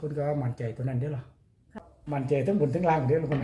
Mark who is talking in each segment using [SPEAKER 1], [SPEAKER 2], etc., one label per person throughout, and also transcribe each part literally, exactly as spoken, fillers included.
[SPEAKER 1] คนก็มั่นใจตัวนั้นเด้อหรอมั่นใจทั้งบนทั้งล่างเด้อคน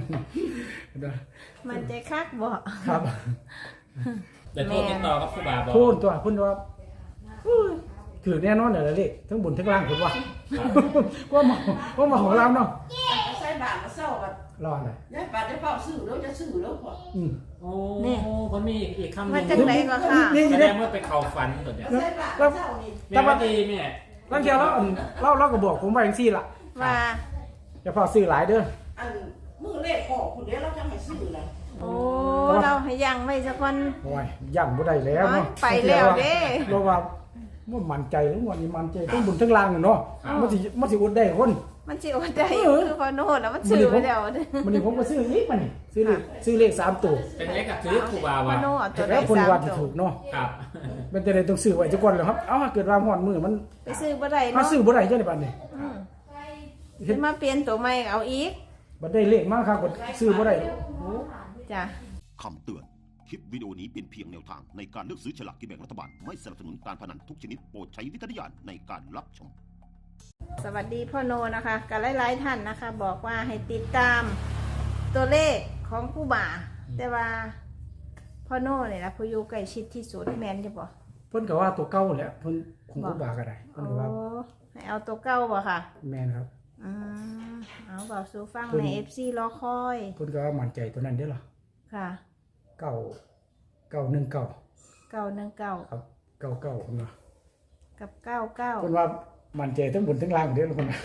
[SPEAKER 2] มันใจคักบ่
[SPEAKER 1] ครับ
[SPEAKER 3] แต่โทษติดต่อกับครูบาบอก
[SPEAKER 1] พูดตัวพูดว่าถือแน่นอนเลยเลยทั้งบนทั้งล่างผมว่าว่ามาว่ามาของเราเนาะ
[SPEAKER 4] ใส่บาทมาเศร้ากัน
[SPEAKER 1] รอดเลย
[SPEAKER 4] ยายบาทได้เฝ้าซื้อแล้วจะซื้อแล้วพอ
[SPEAKER 1] อืม
[SPEAKER 3] โอ้มันมีอีกคำหนึ่ง
[SPEAKER 2] มันจังไรก็ค่ะ
[SPEAKER 3] แสดงว่าไปเข่าฝันตัวเนี้ย
[SPEAKER 4] ใส่บาทเศร้านี่
[SPEAKER 3] แม่ว่าดีแม่
[SPEAKER 1] แล้วเกี่ยวแล้วเล่าเล่ากับบอกผมไปอย่างซี่ล่ะ
[SPEAKER 2] ว่า
[SPEAKER 1] จะพอซื้อหลายเด้อ
[SPEAKER 4] อันมือเลขออกคนเดียวเราจะให้ซื้อแล้ว
[SPEAKER 2] โอ้เราให้ยังไว้สักวัน
[SPEAKER 1] โอ้ยย่ำบ่ได้แล้วเนาะ
[SPEAKER 2] ไปแล้วเด้
[SPEAKER 1] เราว่ามันมั่นใจทั้งวันนี้มั่นใจทั้งบนทั้งล่างเนาะมันสิมันสิอดได้คน
[SPEAKER 2] มันสิอดได้คือพอโน่แล้วมันซื้อไปแล้วเด้อ
[SPEAKER 1] มันนี่ผมก็ซื้ออีกมันนี่ซื้อเลขซื้อเลขสามตัว
[SPEAKER 3] เป็นเลขกับซื้อครูบา
[SPEAKER 2] พอ
[SPEAKER 3] ว่า
[SPEAKER 2] โน่เอาตัวใด
[SPEAKER 1] แล้วคน
[SPEAKER 2] สาม
[SPEAKER 1] ว่าที่
[SPEAKER 2] ตั
[SPEAKER 1] ถู
[SPEAKER 2] ว
[SPEAKER 1] กเนาะ
[SPEAKER 3] ครับ
[SPEAKER 1] เป็นแต่ใดต้องซื้อไว้จักก่อนแล้วครับเอ้าเกิดว่าฮอดมือมัน
[SPEAKER 2] ไปซื้อบ่ได้
[SPEAKER 1] มา
[SPEAKER 2] เนาะ
[SPEAKER 1] ซื้อบ่ได้จังได๋บัดนี้
[SPEAKER 2] อืมสิมาเปลี่ยนตัวใหม่เอาอีก
[SPEAKER 1] บัดได้เลขมาครับก็ซื้อบ่ได้โอ้
[SPEAKER 2] จ้ะ
[SPEAKER 5] คำเตือน คลิปวิดีโอนี้เป็นเพียงแนวทางในการเลือกซื้อฉลากกินแบ่งรัฐบาล ไม่สนับสนุนการพนันทุกชนิดโปรดใช้วิจารณญาณในการรับชม
[SPEAKER 2] สวัสดีพ่อโนนะคะกับหลายๆท่านนะคะ บอกว่าให้ติดตามตัวเลขของผู้บ่า แต่ว่าพ่อโนเนี่ยนะผู้อยู่ใกล้ชิดที่สุดแมนจะบอก
[SPEAKER 1] เพิ่นก็ว่าตัวเก่าแหละเพิ่นคงบ่บาก็ได้เพิ่
[SPEAKER 2] โอ้
[SPEAKER 1] นก็ว่า
[SPEAKER 2] ให้เอาตัวเก้าบ่ค่ะ
[SPEAKER 1] แม่นครับ
[SPEAKER 2] อืมเอาบอกสู่ฟัง
[SPEAKER 1] เพิ่น
[SPEAKER 2] ในเอฟซีรอคอย
[SPEAKER 1] เพิ่นก็ว่ามั่นใจตัวนั้นเด้อล่ะ
[SPEAKER 2] ค่ะ
[SPEAKER 1] เก้าเก้าหนึ่งเก้า
[SPEAKER 2] เก้าหนึ่งเก้า
[SPEAKER 1] ครับเก้าเก้าเพิ่นว่า
[SPEAKER 2] กับเก้าเก้า
[SPEAKER 1] เพิ่นว่ามั่นใจทั้งบนทั้งล่างเด้อคนน่ะ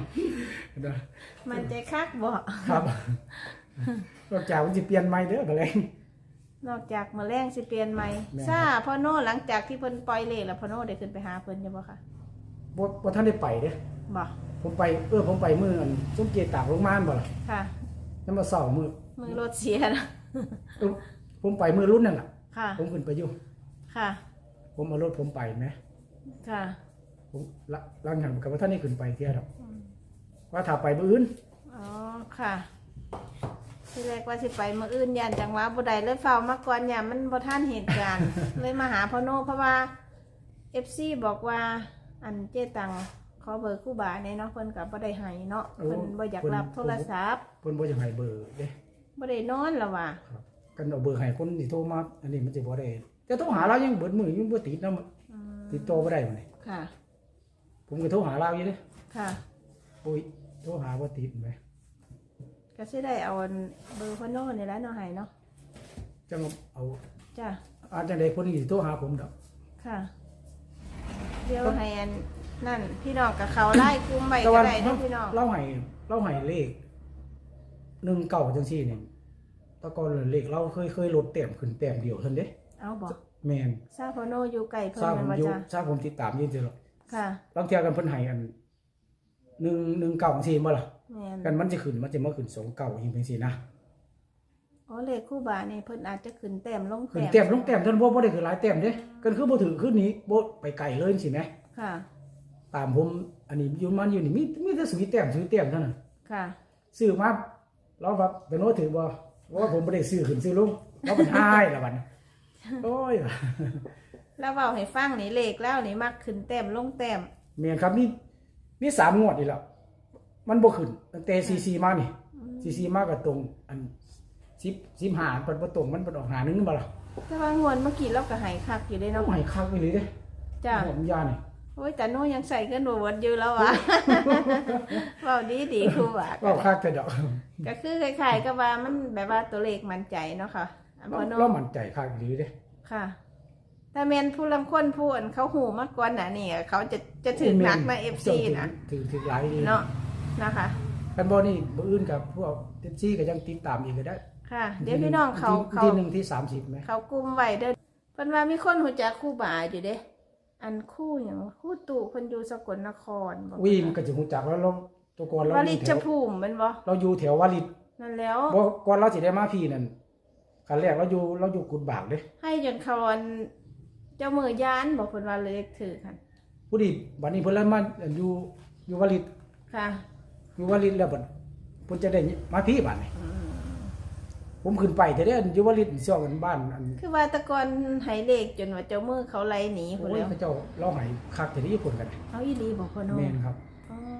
[SPEAKER 2] มันใจคักบ่
[SPEAKER 1] ครับนอกจากมันสิเปลี่ยนใหม่เด้อบ่แลง
[SPEAKER 2] นอกจากมื้อแรงสิเปลี่ยนใหม่
[SPEAKER 1] แม่น
[SPEAKER 2] ซ่าพ่อโนหลังจากที่เพิ่นปล่อยเลขแล้วพ่อโนได้ขึ้นไปหาเพิ่นอยู่บ่ค่ะ
[SPEAKER 1] บ่บ่ทันได้ไปเด้อ
[SPEAKER 2] บ่
[SPEAKER 1] ผมไปเออผมไปมื้ออันสมเกียรติตากโรงงานบ่ล่ะ
[SPEAKER 2] ค่ะ
[SPEAKER 1] นั่นมาเช้ามื้อ
[SPEAKER 2] มือรถเสียนะ
[SPEAKER 1] เออผมไปมื้อรุ่นนั่นล่ะ
[SPEAKER 2] ค่ะ
[SPEAKER 1] ผมขึ้นไปอยู่
[SPEAKER 2] ค่ะ
[SPEAKER 1] ผมเอารถผมไปแหม
[SPEAKER 2] ค่ะ
[SPEAKER 1] ผมละหลังจากกับว่าท่านได้ขึ้นไปเที่ยวดอกว่าถ้าไปมื้ออื่น
[SPEAKER 2] อ๋อ ค่ะที่แรกว่าสิไปมื้ออื่นยันจังหวะบ่ได้เลยเฝ้ามาก่อนยามมันบ่ทันเหตุการณ์ เลยมาหาพ่อโนเพราะว่า เอฟ ซี บอกว่า อันเจตังขอเบอร์ครูบาแน่เนาะเพิ่นก็บ่ได้ให้เนาะเพิ่นบ่อยากรับโทรศัพท์
[SPEAKER 1] เพิ่นบ่อยากให้เบอร์เด้
[SPEAKER 2] บ่ได้นอนแล้วว่ะ
[SPEAKER 1] ครับกันเอาเบอร์ให้คนที่โทรมาอันนี้มันสิบ่ได้แต่โทรหาเรายังเบิดมื้อยังบ่ติดนำ
[SPEAKER 2] อืม
[SPEAKER 1] ติดต่อบ่ได้มื้อนี้
[SPEAKER 2] ค่ะ
[SPEAKER 1] ผมก็โทรหาเราอยู่เด้
[SPEAKER 2] ค่ะ
[SPEAKER 1] โอ้ยโทรหาบ่ติดแหม
[SPEAKER 2] ก็สิได้เอาอันเบอร์พ่อโนนี่แหละเนาะให้เนาะ
[SPEAKER 1] จังเอา
[SPEAKER 2] จ้ะ
[SPEAKER 1] อาจจังได๋เพิ่นสิโทรหาผมดอก
[SPEAKER 2] ค่ะ เดี๋ยวให้อันนั่นพี่น้องกับเขาไล่กลุ่มไว้
[SPEAKER 1] แต่
[SPEAKER 2] ก็
[SPEAKER 1] ว่า
[SPEAKER 2] ได้เนาะพี่น้อง
[SPEAKER 1] เราให้เราให้เลขหนึ่งเก้าจังซี่นี่แต่ก่อนเลขเราเคยเคยลดแต้มขึ้นแต้มเดียวเท่านั้นเด้
[SPEAKER 2] เอาบอก
[SPEAKER 1] แม่น
[SPEAKER 2] ซาโพโนอยู่ไก่เพิ่
[SPEAKER 1] ทราบ
[SPEAKER 2] น
[SPEAKER 1] ผ
[SPEAKER 2] แมัน
[SPEAKER 1] ม
[SPEAKER 2] บ่
[SPEAKER 1] อยู่
[SPEAKER 2] จ้ะ
[SPEAKER 1] ทราบผมติดตามอยืนเจอหรอก
[SPEAKER 2] ค่ะ
[SPEAKER 1] บางเที่ยกันเพิ่นให้อันหนึ่งหนึ่งเก้าจังซี่บ่ล่ะ
[SPEAKER 2] แม่น
[SPEAKER 1] กันมันจะขึ้นมันจะมาขึ้นสองเก้าอย่างจังซี่นะ
[SPEAKER 2] อ๋อเลขคู่บานี่เพิ่นอาจจะขึ้นแต้มลง
[SPEAKER 1] ขึ้น
[SPEAKER 2] แต้ม
[SPEAKER 1] แต้มลงแต้มเท่านั้นบ่บ่ได้ขึ้นหลายแต้มเด้กันคือบ่ถือขึ้นนี้บ่ไปไกลเลยจังซี่แหม
[SPEAKER 2] ค่ะ
[SPEAKER 1] ตามผมอันนี้อยู่มันอยู่นี่มีมีแต่สุยแต้มสุยแต้มเท่านั้น
[SPEAKER 2] ค่ะ
[SPEAKER 1] ซื้อมาเราว่าเป็นโน้ถือบ่ว่าผมบ่ได้ซื้อขึ้นซื้อลงเราเป็นหายละบัดนี้โอ้ย
[SPEAKER 2] แล้วเว้าให้ฟังนี่เลขแล้วนี่มักขึ้นแต้มลงแต้ม
[SPEAKER 1] แม่นครับนี่มีสามงวดนี่แล้วมันบ่ขึ้นตั้งแต่ซีซีมานี่ซีซีมาก็ตรงอันสิบ สิบห้าเปิดบ่ตรงมันเปิดออกหาหนึงบ่ล่ะ
[SPEAKER 2] แต่ว่างวดเมื่อกี้เราก็ให้คักอยู่เด้
[SPEAKER 1] เอา
[SPEAKER 2] เนาะ
[SPEAKER 1] ให้คักไปเลยเด้
[SPEAKER 2] จ้ะ
[SPEAKER 1] ผมยานี่
[SPEAKER 2] โอ้ยแต่โนยังใส่เงินบ่เบิดอยู่แล้วว่ะ เว้าดีๆครูบา
[SPEAKER 1] ก็คักแต่ดอก
[SPEAKER 2] ก็คือคล้ายๆกับว่ามันแบบว่าตัวเลขมั่นใจเนาะค่ะอัน
[SPEAKER 1] เรา
[SPEAKER 2] พ่อโน
[SPEAKER 1] เรามั่นใจคักดีเด้
[SPEAKER 2] ค่ะแต่แมนผู้ลำคนผู้อันเขาหูมากกว่าน่ะนี่เขาจะจะถึงหนักมาเอฟซีนะ
[SPEAKER 1] ถือถือหลายดี
[SPEAKER 2] เนาะนะคะ
[SPEAKER 1] คันบ่นี่บ่อื่นกับพวกเอฟซีก็ยังติดตามอีกก็ได้
[SPEAKER 2] ค่ะ เดี๋ยวพี่น้องเขา
[SPEAKER 1] ที่
[SPEAKER 2] เขา
[SPEAKER 1] ที่หนึ่งที่สามสิบไหม
[SPEAKER 2] เขากลุ่มไว้เด้อเพิ่นว่ามีคนหูจักคู่บ่าอยู่เด้ อันคู่หยังคู่ตู่เพิ่นอยู่สกลนครบอก
[SPEAKER 1] วิ่งก็จะฮู้จักแล้วเราตัวก่อนเรา
[SPEAKER 2] ว
[SPEAKER 1] อ
[SPEAKER 2] ลิ
[SPEAKER 1] ยู่แถ
[SPEAKER 2] ช
[SPEAKER 1] ว
[SPEAKER 2] ภูมิแมันบ่
[SPEAKER 1] เราอยู่แถววาริต
[SPEAKER 2] นั่นแล้ว
[SPEAKER 1] บ่ก่อนเราสิได้มาพี่นั่นคันแรกเราอยู่เราอยู่กุดบากเด้
[SPEAKER 2] ให้จนเขาอันเจ้ามือยานบอกเพิ่นว่าเลขถือกัน
[SPEAKER 1] ผู้ดีบัดนี้เพิ่นเลยมาอยู่อยู่วาริต
[SPEAKER 2] ค่ะ
[SPEAKER 1] อยู่วาริตแล้วบัดเพิ่นจะได้มาพี่บัดนี้ผมขึ้นไปแต่เด้ออยู่วาริตซ่องกันบ้านอัน
[SPEAKER 2] คือว่าแตะกอนให้เลขจนว่าเจ้ามือเขาไล่หนีพุ่น
[SPEAKER 1] โอ้ย
[SPEAKER 2] แล้ว
[SPEAKER 1] เขาเจ้าเราให้คักแต่ที่ญี่ปุ่นกัน
[SPEAKER 2] เอาอีหลีบอกพ่อโน
[SPEAKER 1] แม่นครับ
[SPEAKER 2] อ๋อ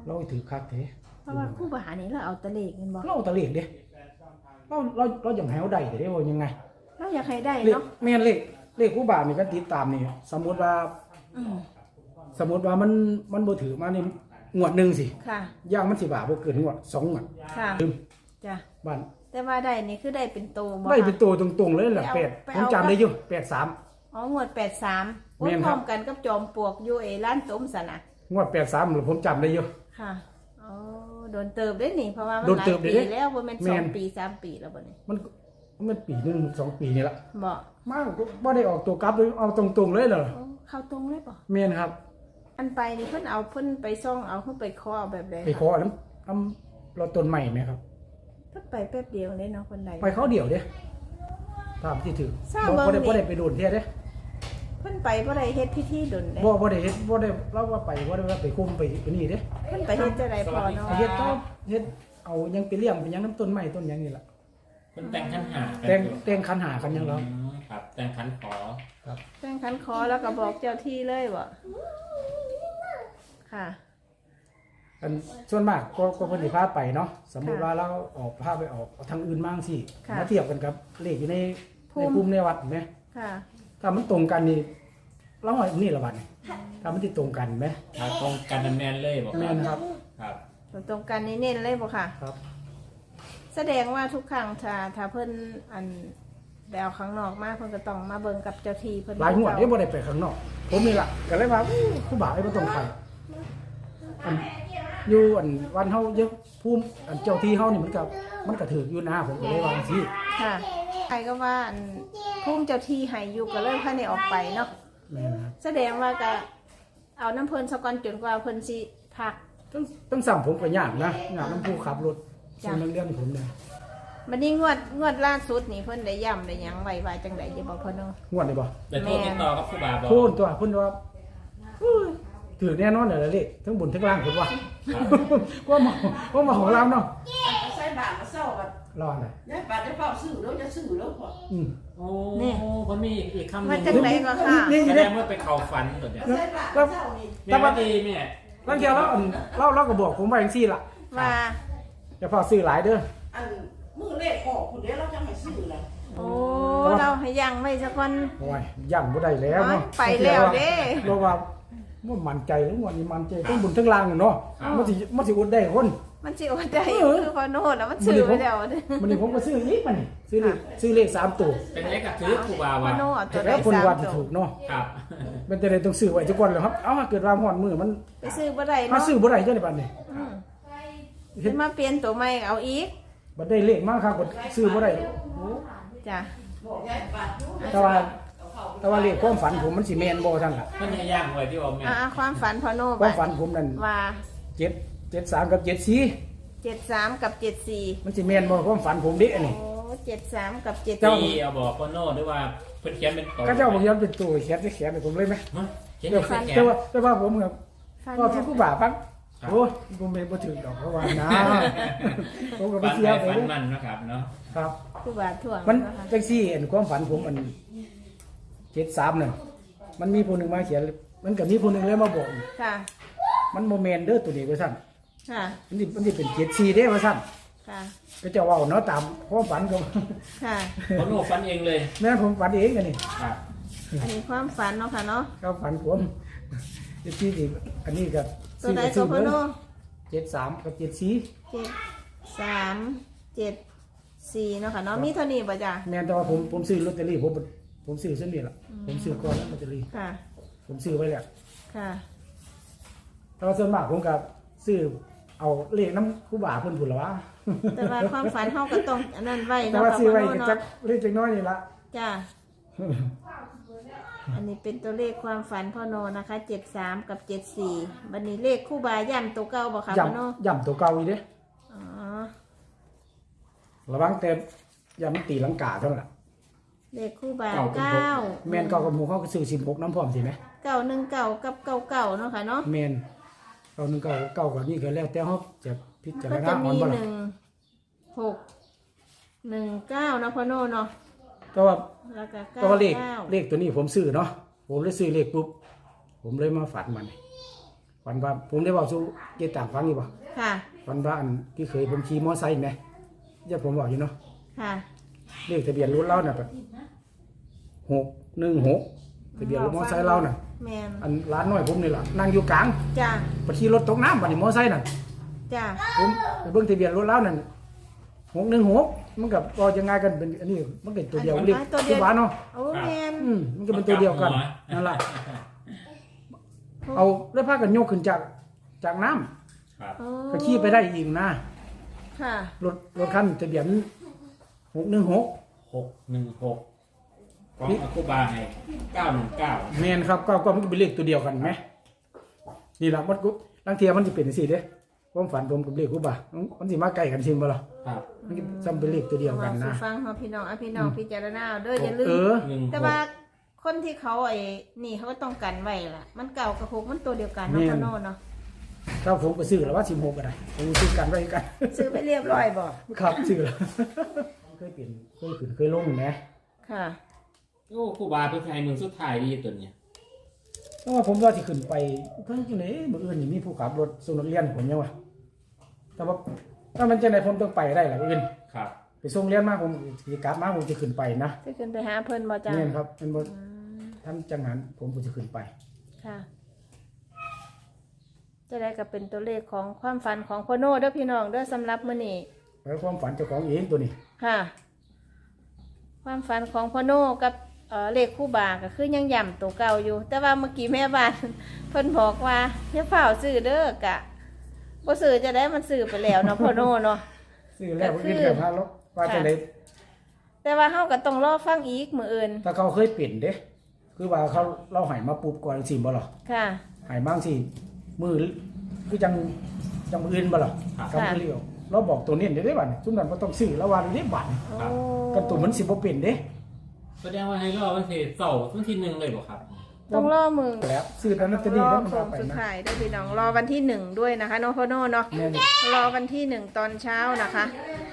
[SPEAKER 1] เราให้ถือคักเด้
[SPEAKER 2] เพราะว่าครู่บานี่เราเอาแตะเลขแม่นบ่
[SPEAKER 1] เราเอาแตะเลขเด้เราเราเราอย่างให้เอาได้แต่ได้ว่ายังไง
[SPEAKER 2] เราอยากให้ได้
[SPEAKER 1] เลข
[SPEAKER 2] เนาะ
[SPEAKER 1] แม่นเลขเลขครูบานี่ก็ติดตามนี่สมมุติว่า
[SPEAKER 2] อืม
[SPEAKER 1] สมมุติว่ามันมันบ่ถือมานี่งวดหนึงสิ
[SPEAKER 2] ค่ะ
[SPEAKER 1] ย่างมันสิบาทบ่เกินงวดสองงวด
[SPEAKER 2] ค่ะ
[SPEAKER 1] ลืม
[SPEAKER 2] จ้ะ
[SPEAKER 1] บ้าน
[SPEAKER 2] แต่ว่าได้นี่คือได้เป็นโตบ่
[SPEAKER 1] ได้
[SPEAKER 2] คะ
[SPEAKER 1] เป็นตัวตรงๆเลยแหละ
[SPEAKER 2] ไป
[SPEAKER 1] แป
[SPEAKER 2] เอา
[SPEAKER 1] ด
[SPEAKER 2] ไป
[SPEAKER 1] ผม
[SPEAKER 2] เอา
[SPEAKER 1] จำได้อยู่แปดสาม
[SPEAKER 2] อ๋องวดแปดสามโอ้
[SPEAKER 1] แม่น
[SPEAKER 2] พ
[SPEAKER 1] ครั
[SPEAKER 2] ร้อบ มกันกับจอมปลวกอยู่ไอ้ร้านต้มสนะ
[SPEAKER 1] งวดแปดสามผมจำได้อยู่
[SPEAKER 2] ค่ะอ๋อโดนเติบได้นี่เพราะว่ามัน
[SPEAKER 1] โดน
[SPEAKER 2] หลาย
[SPEAKER 1] เติบได้
[SPEAKER 2] ปี
[SPEAKER 1] เด้
[SPEAKER 2] แล้วบ่แม่น
[SPEAKER 1] แม่
[SPEAKER 2] สอง
[SPEAKER 1] น
[SPEAKER 2] ปีสามปีแล้วบ่นี่
[SPEAKER 1] มันมันปีหนึงสองปีนี่ละ
[SPEAKER 2] บ่
[SPEAKER 1] มากบ่ได้ออกตัวกลับเลยเอาตรงๆเลยเหรอ
[SPEAKER 2] โอ้เข้าตรงเลยบ่
[SPEAKER 1] แม่นครับ
[SPEAKER 2] อันไปนี่เพิ่นเอาเพิ่นไปซ่องเอาเพิ่นไปขอเอาแบบใด
[SPEAKER 1] ไปขอน้ำน้ำเราต้นใหม่ไหมครับ
[SPEAKER 2] เพิ่นไปแป๊บเดียวเลยเนาะคนใด
[SPEAKER 1] ไปเขาเดี่ยวเด้ตามที่ถือ
[SPEAKER 2] ทราบ
[SPEAKER 1] บ่
[SPEAKER 2] เบิ่ง
[SPEAKER 1] บ่ได้
[SPEAKER 2] นี่
[SPEAKER 1] บ่ได้ไปโดนเที่ยเด้
[SPEAKER 2] เพิ่นไปบ่ได้เฮ็ดพิธีดนเด้
[SPEAKER 1] บ่บ่ได้เฮ็ดบ่ได้เราว่าไปบ่ได้ว่าไปคุมไปอันนี้เด้
[SPEAKER 2] เพิ่นไปเฮ็ดจังไดพอเนาะ
[SPEAKER 1] ไปเฮ็ดก็เฮ็ดเอายังไปเลี้ยงไปยังน้ำต้นไม้ต้นหยังนี่ล่ะ
[SPEAKER 3] เป็นแต่งขันหากัน
[SPEAKER 1] แต่ง
[SPEAKER 3] อยู่
[SPEAKER 1] แต่งคันหากันยังแล้ว
[SPEAKER 3] อืมครับ แต่งขันขอ
[SPEAKER 2] แจ้งคันขอแล้วก็บอกเจ้าที่เลยบ่ค่ะ
[SPEAKER 1] อันส่วนมากก็ก็เพิ่นสิพาไปเนาะสมมุติว่าเราออกพาไปออกทางอื่นบ้างสิ
[SPEAKER 2] ค่ะ
[SPEAKER 1] มาเทียบกันกับเลขอยู่ใน
[SPEAKER 2] ภู
[SPEAKER 1] ใน
[SPEAKER 2] มิ
[SPEAKER 1] ภูมิในวัดแหม
[SPEAKER 2] ค่ะ
[SPEAKER 1] ถ้ามันตรงกันนี่เราว่านี่ละบัดนี่ถ้ามันสิตรงกันไหม
[SPEAKER 3] ถ้าตรงกันแมนเลยบอก
[SPEAKER 1] แม่นครับ
[SPEAKER 3] ครับ
[SPEAKER 2] ตรงกันนี่เน้นเลยบ่ค่ะ
[SPEAKER 1] ครับ
[SPEAKER 2] แสดงว่าทุกครั้งถ้าถ้าเพิ่นอันไปเอาข้างนอกมาเพิ่นก็ต้องมาเบิ่งกับเจ้าที่เพิ่น
[SPEAKER 1] หลายงวดนี่บ่ได้ไปข้างนอก ผมนี่ล่ะก็เลยว่าอู้ครูบาไอ้บ่ต้องไปอันอยู่อันวันเฮาเยอะภูมิอันเจ้าที่เฮานี่มันก็มันก็ถืออยู่นะผมก็เลยว่าจังซี่
[SPEAKER 2] ค่ะใครก็ว่าอันภูมิเจ้าที่ให้อยู่ก็เลยพาได้ออกไปเนาะ
[SPEAKER 1] แม่นครับ
[SPEAKER 2] แสดงว่าก็เอาน้ำเพิ่นซะก่อนจนกว่าเพิ่นสิพัก
[SPEAKER 1] ต้องต้องสั่งผมก็ยากนะยากนํผู้ขับรถ
[SPEAKER 2] จ้ะ
[SPEAKER 1] ส่วนเรื่องผมเนี่ย
[SPEAKER 2] บัดนี้งวดงวดล่าสุดนี่เพิ่นได้ย้ำได้หยังไว้ว่าจังได๋อย่าบอกเพิ่นเนาะ
[SPEAKER 1] งวดได้บ่
[SPEAKER 3] แต่โทษติดต่อกับครูบาบอก
[SPEAKER 1] พูดตัวเพิ่นว่าอุ้ยถือแน่นอนเลยเลขทั้งบนทั้งล่างเพิ่นว่า ว่ามาว่ามาของเราเนาะ
[SPEAKER 4] เอาใส่บาทมาเศร้ากัน
[SPEAKER 1] รอหน่อย
[SPEAKER 4] ยายบาทจะเฝ้าซื้อแล้วจะซื้อแล้วพอ
[SPEAKER 1] อืม
[SPEAKER 3] โอ้มันมีอีกคำห
[SPEAKER 2] ว่า
[SPEAKER 3] นึ่ง
[SPEAKER 2] จังไดก็ค่ะ
[SPEAKER 1] นี่
[SPEAKER 3] แส
[SPEAKER 1] นี่
[SPEAKER 3] ด
[SPEAKER 1] เด้
[SPEAKER 3] งว่าไปเข่าฝันตัวเนี้ย
[SPEAKER 4] เอาใส่บาทมาเศร้านี่
[SPEAKER 3] แม่ว่าดีแม่
[SPEAKER 1] บางทีเราอันเราเราก็บอกผมว่าจังซี่ล่ะ
[SPEAKER 2] ว่า
[SPEAKER 1] อย่าพอซื้อหลายเด้อ
[SPEAKER 4] อันมือเลขออกคุณเดี๋ยวเราจะให้ซื้อแล้ว
[SPEAKER 2] โอ้เราให้ยังไว้ซะก่อน
[SPEAKER 1] โอ้ยย่านบ่ได้แล้วเนาะ
[SPEAKER 2] ไปแล้วเด้
[SPEAKER 1] เราว่าว่ามั่นใจทั้งวันนี้มั่นใจทั้งบนทั้งล่างเนาะมันสิมันสิอดได้คน
[SPEAKER 2] มันสิอดได้
[SPEAKER 1] เออ
[SPEAKER 2] คือพอโน่นแล้วมันซื้อไปแล้วเด้
[SPEAKER 1] มันนี่ผมก็ซื้ออีกมันนี่ซื้อเลขซื้อเลขสามตัว
[SPEAKER 3] เป็นเลขกับถือครูบา
[SPEAKER 2] พอ
[SPEAKER 3] ว่า
[SPEAKER 2] โน่เอาตัวใด
[SPEAKER 1] แล้วคน
[SPEAKER 2] สาม
[SPEAKER 1] ว่าที่
[SPEAKER 2] ตัว
[SPEAKER 1] ถูกเนาะ
[SPEAKER 3] ครับ
[SPEAKER 1] มันจะได้ต้องซื้อไว้ทุกคนเลยครับเอ้าเกิดว่าฮอดมือมัน
[SPEAKER 2] ไปซื้อบ่ได้
[SPEAKER 1] มา
[SPEAKER 2] เนาะ
[SPEAKER 1] ซื้อบ่ได้จังได๋บัดนี้
[SPEAKER 2] อืมสิมาเปลี่ยนตัวใหม่เอาอีก
[SPEAKER 1] บัดได้เลขมาครับบัดซื้อบ่ได้โอ้
[SPEAKER 2] จ้ะ
[SPEAKER 4] บอกยายบาทดู
[SPEAKER 1] แต่ว่าแต่ว่าเลขความฝันผมมันสิแม่นบ่ซั่นล่ะ
[SPEAKER 3] มันจะย่างไว้ที่ว่าแม่
[SPEAKER 2] อ่าความฝันพอโน่
[SPEAKER 1] ความ
[SPEAKER 2] บัด
[SPEAKER 1] ฝันผมนั่น
[SPEAKER 2] ว่า
[SPEAKER 1] เจ็ด เจ็ดสามกับเจ็ดสี่
[SPEAKER 2] เจ็ดสามกับเจ็ดสี่
[SPEAKER 1] มันสิแม่นบ่ความฝันผมเด้อันนี้
[SPEAKER 2] โอ้เจ็ดสามกับเจ็ด
[SPEAKER 1] เจ้า
[SPEAKER 2] สี่
[SPEAKER 3] ที่เอาบอกพ่อโน่ด้วยว่าเพิ่นเขียนเป็นตัว
[SPEAKER 1] ก็เจ้าบอกย้อนเป็นตัวเขียนสิเขียนให้ผมเลยไหม
[SPEAKER 3] ฮะเขียน
[SPEAKER 1] แต่
[SPEAKER 3] เป็นแข
[SPEAKER 1] แต่
[SPEAKER 3] น
[SPEAKER 1] ว่าแต่ว่าผมกับ
[SPEAKER 2] ฟัน
[SPEAKER 1] ก็
[SPEAKER 2] แบ
[SPEAKER 1] ทุ
[SPEAKER 2] บ
[SPEAKER 1] กผู้บ่าปักโอ้ยผมไม่บ่ถึงดอกเพราะว่านะผมก็บ่
[SPEAKER 3] ฝัน
[SPEAKER 1] เชื่
[SPEAKER 3] ไป
[SPEAKER 1] อเล
[SPEAKER 3] ฝัน
[SPEAKER 1] ย
[SPEAKER 3] มันนะครับเนาะ
[SPEAKER 1] ครับ
[SPEAKER 2] ผู้บาดถ่วง
[SPEAKER 1] มัน
[SPEAKER 2] นะคะ
[SPEAKER 1] จังซี่อันความฝันผมอันเจ็ดสามนั่นมันมีผู้หนึงมาเขียนมันก็มีผู้หนึงเลยมาบอก
[SPEAKER 2] ค่ะ
[SPEAKER 1] มันโมเมนเด้อตัวนี้ว่าซั่น
[SPEAKER 2] ค่ะ
[SPEAKER 1] มันสิมันสิเป็นเจ็ดสี่เด้อว่าซั่น
[SPEAKER 2] ค่ะ
[SPEAKER 1] ก็จะเว้าเนาะตามความฝันก็
[SPEAKER 2] ค่ะ
[SPEAKER 3] พ่อโน่ฝันเองเลย
[SPEAKER 1] แม่นผมฝันเองกันนี่
[SPEAKER 3] ครับ
[SPEAKER 2] อันนี้ความฝันเนาะค่ะเนาะ
[SPEAKER 1] เขาฝันผมเจ็ดสี่นี่อันนี้ก็
[SPEAKER 2] ตัวไหนตัวพอโน่
[SPEAKER 1] เจ็ดสามกับเจ็ดสี่
[SPEAKER 2] เจ็ดสามเจ็ดสี่เนาะค่ะเนาะมีเท่านี้ป่ะจ้ะ
[SPEAKER 1] แม่นแต่ว่าผมผมซื้อลอตเตอรี่ผมผมซื้อเส้นนี้ล่ะผมซื้อก่อนแล้วลอตเตอรี่
[SPEAKER 2] ค่ะ
[SPEAKER 1] ผมซื้อไว้แล้ว
[SPEAKER 2] ค่ะ
[SPEAKER 1] แต่ว่าส่วนมากผมก็ซื้อเอาเลขน้ำคู่บ่าเพิ่นพุ่นละวะ
[SPEAKER 2] แต่ว่าความฝันเฮาก็ต้องอันนั้นไว้
[SPEAKER 1] แต่
[SPEAKER 2] เนาะ
[SPEAKER 1] ว่า
[SPEAKER 2] ค่ะ
[SPEAKER 1] ซื้อ
[SPEAKER 2] พอ
[SPEAKER 1] ไว้
[SPEAKER 2] โน่
[SPEAKER 1] ก็
[SPEAKER 2] เนาะ
[SPEAKER 1] จักเลขจักน้อยนี่ละ
[SPEAKER 2] จ้ะอันนี้เป็นตัวเลขความฝันพ่อโนนะคะเจ็ดสามกับเจ็ดสี่บันนี้เลขคู่บาย่ำตัวเก่าบ่ค่ะพ่อโน
[SPEAKER 1] ย่ำย่ำตัวเก่าอีเด้
[SPEAKER 2] อ๋อ
[SPEAKER 1] ระวังแต่ย่ำมันตีลังกาเท่านั้นล่ะ
[SPEAKER 2] เลขคู่บาเก้า
[SPEAKER 1] แม่นเก่ากับหมู่เขาก็ซื้อสิบหกน้ำพร้อมสิไหม
[SPEAKER 2] เก้าหนึ่งเก้ากับเก้าเก้าเนาะค่ะเนาะ
[SPEAKER 1] แม่นเก่าหนึ่งเก่าเก่ากับนี่ก็แล้วแต่เขาจะพิจาร
[SPEAKER 2] ก็
[SPEAKER 1] ณา
[SPEAKER 2] จะ
[SPEAKER 1] อ่อ
[SPEAKER 2] มี
[SPEAKER 1] นบ่
[SPEAKER 2] ห
[SPEAKER 1] ล่ะ
[SPEAKER 2] นึ่งหกหนึ่งเก้าเนาะพ่อโนเนาะ
[SPEAKER 1] แต่ว่า
[SPEAKER 2] แล้วก็
[SPEAKER 1] แต่
[SPEAKER 2] เก้า
[SPEAKER 1] ว่าเลข
[SPEAKER 2] เก้า
[SPEAKER 1] เลขตัวนี้ผมซื้อเนาะผมเลยซื้อเลขปุ๊บผมเลยมาฝันมันฝันว่าผมได้บอกสู่เกต่างฟังอยู่บ่
[SPEAKER 2] ค่ะ
[SPEAKER 1] ฝันว่าอันที่เคยผมขี่มอไซค์แหมอย่าผมบอกอยู่เนาะ
[SPEAKER 2] ค่ะ
[SPEAKER 1] เลขทะเบียนรถเราน่ะแบบหกหนึ่งหกทะเบียนรถมอไซค์เราน่ะ
[SPEAKER 2] แมน
[SPEAKER 1] อันร้านน้อยผมนี่ล่ะนั่งอยู่กลาง
[SPEAKER 2] จ้า
[SPEAKER 1] ไปขี่รถตกน้ำบัดนี้มอไซค์น่ะ
[SPEAKER 2] จ้า
[SPEAKER 1] ผมไปเบิ่งทะเบียนรถเรานั่นหกหนึ่งหกมันกับก็ยังไงกันเป็นอันนี้มันเป็นตัวเดียวเรียกที่บ้านเนาะ
[SPEAKER 2] โอ้แมน
[SPEAKER 1] อืมมันก็เป็นตัวเดียวกันนั่นแหละเอาแล้วพากันโยกขึ้นจากจากน้ำ
[SPEAKER 3] ครับ
[SPEAKER 2] โอ้
[SPEAKER 1] ก็ขี่ไปได้อีกนะ
[SPEAKER 2] ค่ะ
[SPEAKER 1] รถรถคันทะเบียนหกหนึ่งหก
[SPEAKER 3] หกหนึ่งหกของอาคูบาให้เก้าหนึ่งเก้า
[SPEAKER 1] แมนครับก็ก็มันก็เป็นเลขตัวเดียวกันไหมนี่แหละมันก็ลังเทียมันจะเป็นสิเด้ความฝันผมกับเลขกูบ่ามันสิมาใกล้กันจริงบ่ล่ะ
[SPEAKER 3] ครับ
[SPEAKER 1] มันซ้ำเป็นเลขตัวเดียวกัน
[SPEAKER 2] เอา
[SPEAKER 1] นะ
[SPEAKER 2] สู่ฟังเฮาพี่น้องเอาพี่น้องพิจารณาเอาเด้ออย่าลื
[SPEAKER 1] เอ
[SPEAKER 2] ม
[SPEAKER 1] อ
[SPEAKER 3] หนึ่งห
[SPEAKER 2] แต่
[SPEAKER 3] ก
[SPEAKER 2] ว่าคนที่เขาไอ้นี่เขาก็ต้องกันไว้ล่ะ มันเก่ากับหกมันตัวเดียวกันเนาะ
[SPEAKER 1] แม่น
[SPEAKER 2] พ่อโน่เนาะ
[SPEAKER 1] ถ้าผมก็ซื้อแล้วว่าสิบหกก็ได้ผมซื้อกันไว้กัน
[SPEAKER 2] ซื้อไปเรียบร้อยบ่
[SPEAKER 1] ครับซื้อแล้วเคยเปลี่ยนเคยขึ้นเคยลงนะ
[SPEAKER 2] ค่ะ
[SPEAKER 3] โอ้ครูบาเป็นใครเมืองสุดท้ายดีตัวเนี้ย
[SPEAKER 1] เพราะว่าผมว่าสิขึ้นไปเพิ่งจังได๋มื้ออื่นนี่มีผู้ขับรถส่งนักเรียนผมยังว่าแต่ว่าถ้ามันจังได๋ผมต้องไปได้ล่ะมื้ออื่น
[SPEAKER 3] ครับ
[SPEAKER 1] ไปส่งเรียนมาผมสิกลับมาผมจะขึ้นไปนะ
[SPEAKER 2] จะขึ้นไปหาเพิ่นบ่จ้า
[SPEAKER 1] แม่นครับมันบ่
[SPEAKER 2] อืม
[SPEAKER 1] ทำจังหันผมก็จะขึ้นไป
[SPEAKER 2] ค่ะ จะได้ก็เป็นตัวเลขของความฝันของพ่อโน่เด้อพี่น้องเด้อสำหรับมื้อนี้
[SPEAKER 1] แล้วความฝันเจ้าของเองตัวนี้
[SPEAKER 2] ค่ะ ความฝันของพ่อโน่กับเอ่อเลขคู่บาก็คือยังย่ำตัวเก่าอยู่ แต่ว่าเมื่อกี้แม่บ้าน เพิ่นบอกว่าอย่าเฝ้าซื้อเด้อกะบ่ซื้อจะได้มันซื้อไปแล้วเนาะพ่อโน่เนาะ
[SPEAKER 1] ซื้อแล้วมื้ออื่นก็พาลบว่าจังได๋
[SPEAKER 2] แต่ว่าเฮาก็ต้องรอฟังอีกมื้ออื่น
[SPEAKER 1] ถ้าเขาเคยเป็นเด้คือว่าเขาเราให้มาปุ๊บก่อนสิบ่ล่ะ
[SPEAKER 2] ค่ะ
[SPEAKER 1] ให้บางสิมือคือจังจังมื้ออื่นบ่ล่ะ
[SPEAKER 3] ครับ
[SPEAKER 1] กับมื้อเดียวเราบอกตัวนี้ได้บัดซุมนั้นบ่ต้องซื้อแล้วว่าได้บัด
[SPEAKER 2] โอ้
[SPEAKER 1] กันตัวมันสิบ่เป็นเด้
[SPEAKER 3] แสดงว่าให้รอวันที่เสาร์วันที่หนึ่งเลยบ่ครับ
[SPEAKER 2] ต้องรอมือ
[SPEAKER 1] แล้วซื้อตอนนั้น
[SPEAKER 2] ต้
[SPEAKER 1] จะ
[SPEAKER 2] อง
[SPEAKER 1] ดี
[SPEAKER 2] รอ
[SPEAKER 1] แล้วมัน
[SPEAKER 2] โค้
[SPEAKER 1] มาง ไป
[SPEAKER 2] สุด
[SPEAKER 1] นะ
[SPEAKER 2] ท้ายเด้อพี่น้องรอวันที่หนึ่งด้วยนะคะเนาะพ่อโน่เนาะ
[SPEAKER 1] แม่น
[SPEAKER 2] รอวันที่หนึ่งตอนเช้านะคะ